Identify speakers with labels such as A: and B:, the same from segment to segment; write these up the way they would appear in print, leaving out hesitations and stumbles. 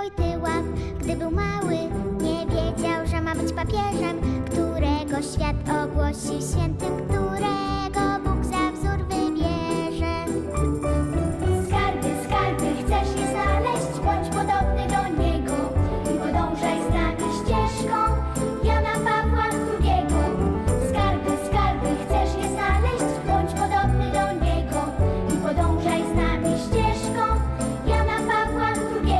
A: Wojtyła. Gdy był mały, nie wiedział, że ma być papieżem, którego świat ogłosi świętym, którego Bóg za wzór wybierze. Skarby, skarby, chcesz je znaleźć, bądź podobny do niego i podążaj z nami ścieżką Jana Pawła II. Skarby, skarby, chcesz je znaleźć, bądź podobny do niego i podążaj z nami ścieżką Jana Pawła II.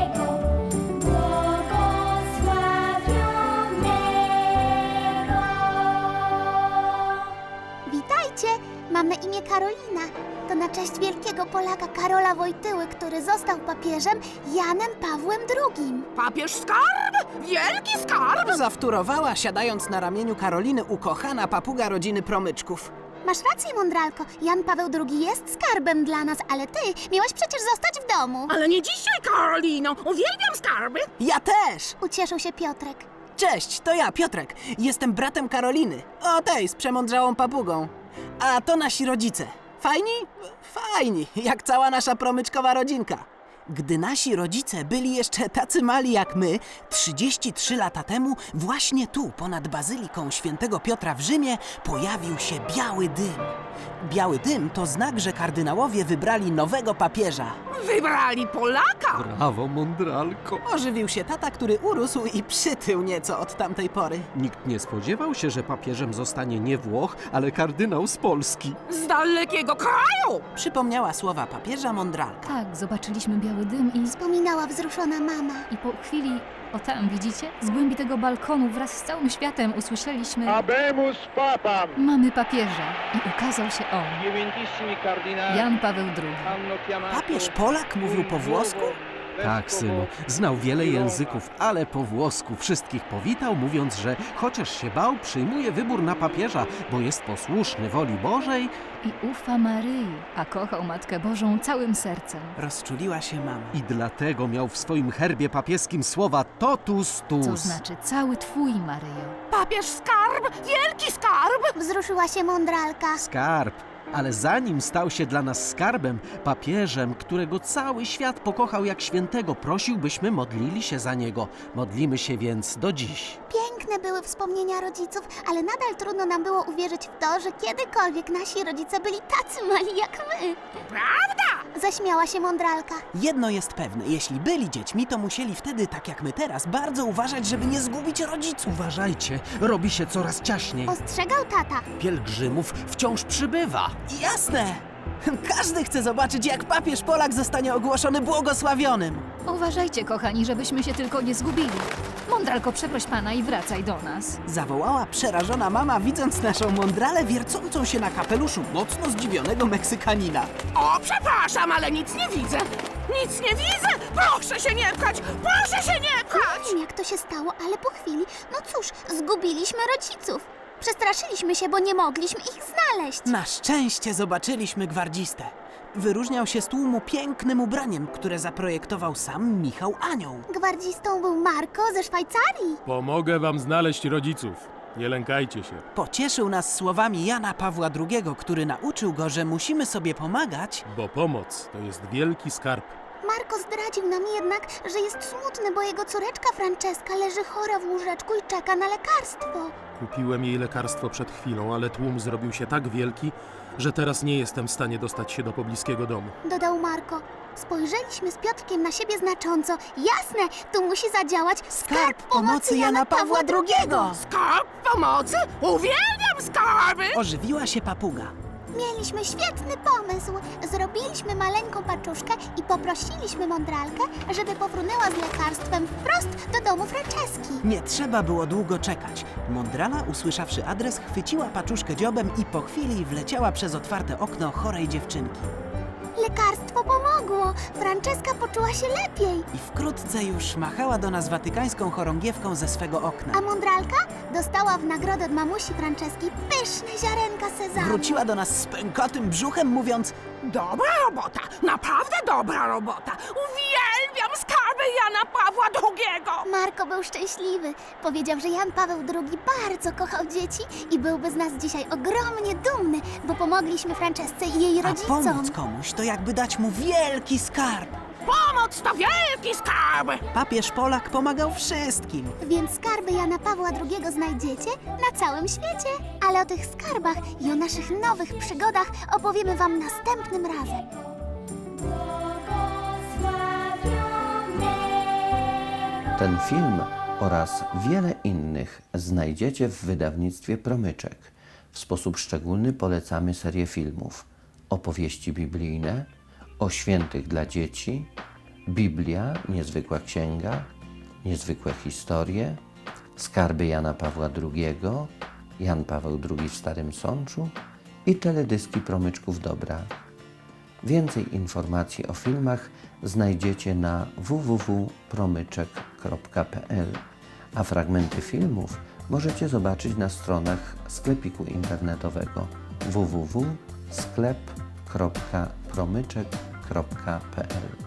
A: Witajcie! Mam na imię Karolina. To na cześć wielkiego Polaka Karola Wojtyły, który został papieżem Janem Pawłem II.
B: Papież Skarb! Wielki Skarb!
C: Zawtórowała, siadając na ramieniu Karoliny, ukochana papuga rodziny promyczków.
A: Masz rację, mądralko. Jan Paweł II jest skarbem dla nas, ale ty miałaś przecież zostać w domu.
B: Ale nie dzisiaj, Karolino! Uwielbiam skarby!
C: Ja też!
A: Ucieszył się Piotrek.
C: Cześć, to ja, Piotrek. Jestem bratem Karoliny. O tej, z przemądrzałą papugą. A to nasi rodzice. Fajni? Fajni, jak cała nasza promyczkowa rodzinka. Gdy nasi rodzice byli jeszcze tacy mali jak my, 33 lata temu, właśnie tu, ponad Bazyliką Świętego Piotra w Rzymie, pojawił się biały dym. Biały dym to znak, że kardynałowie wybrali nowego papieża.
B: Wybrali Polaka!
D: Brawo, mądralko.
C: Ożywił się tata, który urósł i przytył nieco od tamtej pory.
D: Nikt nie spodziewał się, że papieżem zostanie nie Włoch, ale kardynał z Polski.
B: Z dalekiego kraju!
C: Przypomniała słowa papieża mądralka.
E: Tak, zobaczyliśmy biały dym
A: Wspominała wzruszona mama.
E: i po chwili, o tam, widzicie? Z głębi tego balkonu wraz z całym światem usłyszeliśmy:
F: Habemus Papam!
E: mamy papieża. I ukazał się on,
F: Divinissimi cardinali
E: Jan Paweł II.
F: hanno chiamato
C: Papież Polak mówił po włosku?
D: Tak, synu, znał wiele języków, ale po włosku wszystkich powitał, mówiąc, że chociaż się bał, przyjmuje wybór na papieża, bo jest posłuszny woli Bożej.
E: I ufa Maryi, a kochał Matkę Bożą całym sercem.
C: Rozczuliła się mama.
D: I dlatego miał w swoim herbie papieskim słowa totus tuus.
E: Co znaczy cały twój, Maryjo.
B: Papież Skarb! Wielki Skarb!
A: Wzruszyła się mądralka.
D: Skarb. Ale zanim stał się dla nas skarbem, papieżem, którego cały świat pokochał jak świętego, prosił, byśmy modlili się za niego. Modlimy się więc do dziś.
A: Piękne były wspomnienia rodziców, ale nadal trudno nam było uwierzyć w to, że kiedykolwiek nasi rodzice byli tacy mali jak my.
B: Prawda?
A: Zaśmiała się mądralka.
C: Jedno jest pewne, jeśli byli dziećmi, to musieli wtedy, tak jak my teraz, bardzo uważać, żeby nie zgubić rodziców.
D: Uważajcie, robi się coraz ciaśniej.
A: Ostrzegał tata.
D: Pielgrzymów wciąż przybywa.
C: Jasne! Każdy chce zobaczyć, jak papież Polak zostanie ogłoszony błogosławionym.
E: Uważajcie, kochani, żebyśmy się tylko nie zgubili. Mądralko, przeproś pana i wracaj do nas.
C: Zawołała przerażona mama, widząc naszą mądralę wiercącą się na kapeluszu mocno zdziwionego Meksykanina.
B: O, przepraszam, ale nic nie widzę! Nic nie widzę! Proszę się nie pchać! Proszę się nie pchać!
A: Nie wiem, jak to się stało, ale po chwili, no cóż, zgubiliśmy rodziców. Przestraszyliśmy się, bo nie mogliśmy ich znaleźć.
C: Na szczęście zobaczyliśmy gwardzistę. Wyróżniał się z tłumu pięknym ubraniem, które zaprojektował sam Michał Anioł.
A: Gwardzistą był Marko ze Szwajcarii.
G: Pomogę wam znaleźć rodziców. Nie lękajcie się.
C: Pocieszył nas słowami Jana Pawła II, który nauczył go, że musimy sobie pomagać.
G: Bo pomoc to jest wielki skarb.
A: Marko zdradził nam jednak, że jest smutny, bo jego córeczka Franceska leży chora w łóżeczku i czeka na lekarstwo.
G: Kupiłem jej lekarstwo przed chwilą, ale tłum zrobił się tak wielki, że teraz nie jestem w stanie dostać się do pobliskiego domu.
A: Dodał Marko. Spojrzeliśmy z Piotrkiem na siebie znacząco. Jasne, tu musi zadziałać
C: Skarb pomocy Jana Pawła II!
B: Skarb pomocy? Uwielbiam skarby!
C: Ożywiła się papuga.
A: Mieliśmy świetny pomysł. Zrobiliśmy maleńką paczuszkę i poprosiliśmy mądralkę, żeby pofrunęła z lekarstwem wprost do domu Franceski.
C: Nie trzeba było długo czekać. Mądrala, usłyszawszy adres, chwyciła paczuszkę dziobem i po chwili wleciała przez otwarte okno chorej dziewczynki.
A: Lekarstwo pomogło. Franceska poczuła się lepiej.
C: I wkrótce już machała do nas watykańską chorągiewką ze swego okna.
A: A mądralka dostała w nagrodę od mamusi Franceski pyszne ziarenka sezamu.
C: Wróciła do nas z pękatym brzuchem, mówiąc:
B: Dobra robota! Naprawdę dobra robota! Uwielbiam skarby Jana Pawła II!
A: Marko był szczęśliwy. Powiedział, że Jan Paweł II bardzo kochał dzieci i byłby z nas dzisiaj ogromnie dumny, bo pomogliśmy Francesce i jej
C: a
A: rodzicom.
C: pomóc komuś to jakby dać mu wielki skarb.
B: Pomoc to wielki skarb! skarby.
C: Papież Polak pomagał wszystkim.
A: Więc skarby Jana Pawła II znajdziecie na całym świecie. Ale o tych skarbach i o naszych nowych przygodach opowiemy wam następnym razem.
H: Ten film oraz wiele innych znajdziecie w wydawnictwie Promyczek. W sposób szczególny polecamy serię filmów Opowieści biblijne, O świętych dla dzieci, Biblia, niezwykła księga, Niezwykłe historie, Skarby Jana Pawła II, Jan Paweł II w Starym Sączu i teledyski Promyczków Dobra. Więcej informacji o filmach znajdziecie na www.promyczek.pl, a fragmenty filmów możecie zobaczyć na stronach sklepiku internetowego www.sklep.promyczek.pl.